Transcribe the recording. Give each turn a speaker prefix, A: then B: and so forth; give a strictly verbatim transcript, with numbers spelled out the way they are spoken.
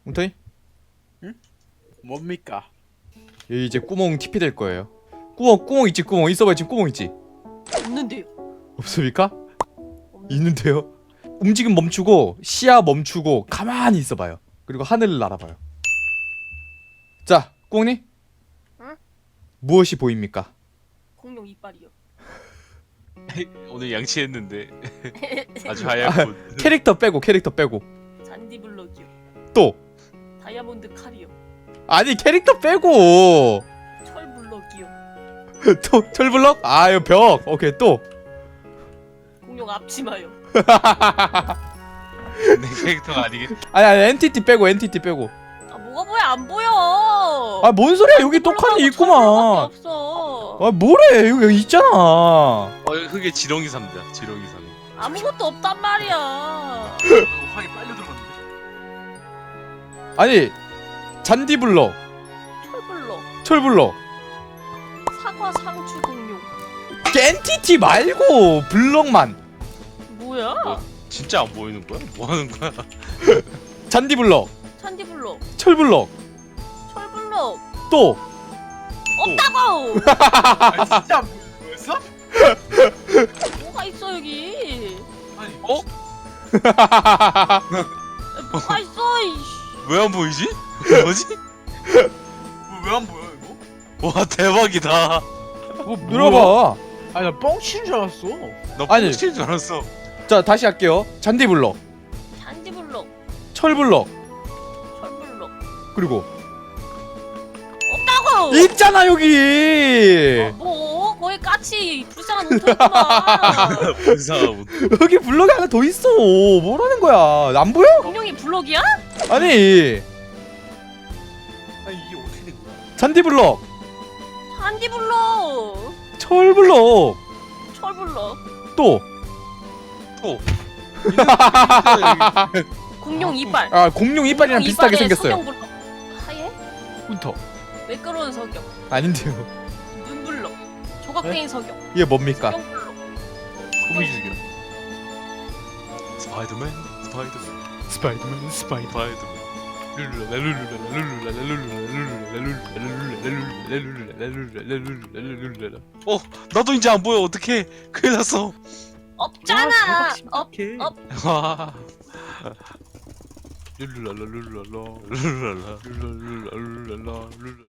A: 웅터이?
B: 뭡니까?
A: 여기 이제 구멍 티피 될 거예요. 구멍 구멍 있지 구멍 있어봐요. 지금 구멍 있지?
C: 없는데요.
A: 없습니까? 있는데요. 움직임 멈추고 시야 멈추고 가만히 있어봐요. 그리고 하늘을 날아봐요. 자, 꾸멍님.
C: 응?
A: 무엇이 보입니까?
C: 공룡 이빨이요.
D: 오늘 양치했는데 아주 하얗군.
A: 캐릭터 빼고 캐릭터 빼고
C: 잔디 블럭이요.
A: 또
C: 다이아몬드 칼이요.
A: 아니 캐릭터 빼고
C: 철 블럭이요.
A: 또 철블럭? 아유 벽. 오케이 또
C: 공룡 앞치마요.
D: 내 캐릭터가 아니겠.
A: 아니 아니 엔티티 빼고 엔티티 빼고
C: 아 뭐가 보여 안 보여.
A: 아 뭔 소리야 여기 똑같이 있구만.
C: 없어.
A: 아 뭐래 여기 있잖아.
D: 어 흙에 지렁이 삽니다. 지렁이 삽.
C: 아무것도 없단 말이야.
B: 화이 빨려 들어갔는데.
A: 아니 잔디블럭
C: 철 블럭.
A: 철블럭
C: 사과 상추 공룡.
A: 엔티티 말고 블럭만
C: 뭐야?
D: 뭐? 진짜 안 보이는 거야? 뭐 하는 거야?
A: 잔디블럭
C: 잔디 블럭.
A: 철블럭
C: 철 블럭.
A: 또
C: 없다고.
B: 아 진짜 뭐였어?
C: 뭐가 있어 여기?
B: 아니
D: 어?
C: 야, 뭐가 있어? 이씨.
D: 왜 안 보이지? 뭐지?
B: 왜 안 보여 이거?
D: 와 대박이다.
B: 뭐
A: 눌러봐.
B: 아니 나 뻥치는 줄 알았어.
D: 나
A: 아니.
D: 뻥칠 줄 알았어.
A: 자 다시 할게요. 잔디블럭
C: 잔디 블럭.
A: 철블럭
C: 철 블럭.
A: 그리고
C: 없다고.
A: 있잖아 여기.
C: 뭐 거기 까치 불쌍한 운터구만.
D: 불쌍하군.
A: 여기 블럭이 하나 더 있어. 뭐라는 거야? 안 보여?
C: 공룡이 블럭이야?
A: 아니
B: 아니 이게 어떻게 된 거야?
A: 잔디블럭
C: 잔디 블럭.
A: 철블럭
C: 철 블럭.
A: 또
D: 또.
C: 공룡 이빨.
A: 아 공룡 이빨이랑
C: 공룡
A: 비슷하게
C: 이빨에
A: 생겼어요.
C: 석영 블럭. 하얘?
A: 훈터
C: 매끄러운 석영.
A: 아닌데요.
C: 눈 블럭. 조각뱅이 석영.
A: 이게 뭡니까?
C: 석영 블럭.
B: 소리 죽여.
D: 스파이더맨, 스파이더맨,
A: 스파이더맨 스파이더.
D: 스파이더맨. 룰루라 룰루라 룰루라 룰루라 룰루라. 어, 나도 이제 안 보여. 어떡해? 큰일 났어.
C: 없잖아. 없.
B: 개.
C: 업.
D: 와. 룰루라 룰루라 룰루라 룰루라 룰루라 룰루라 룰루라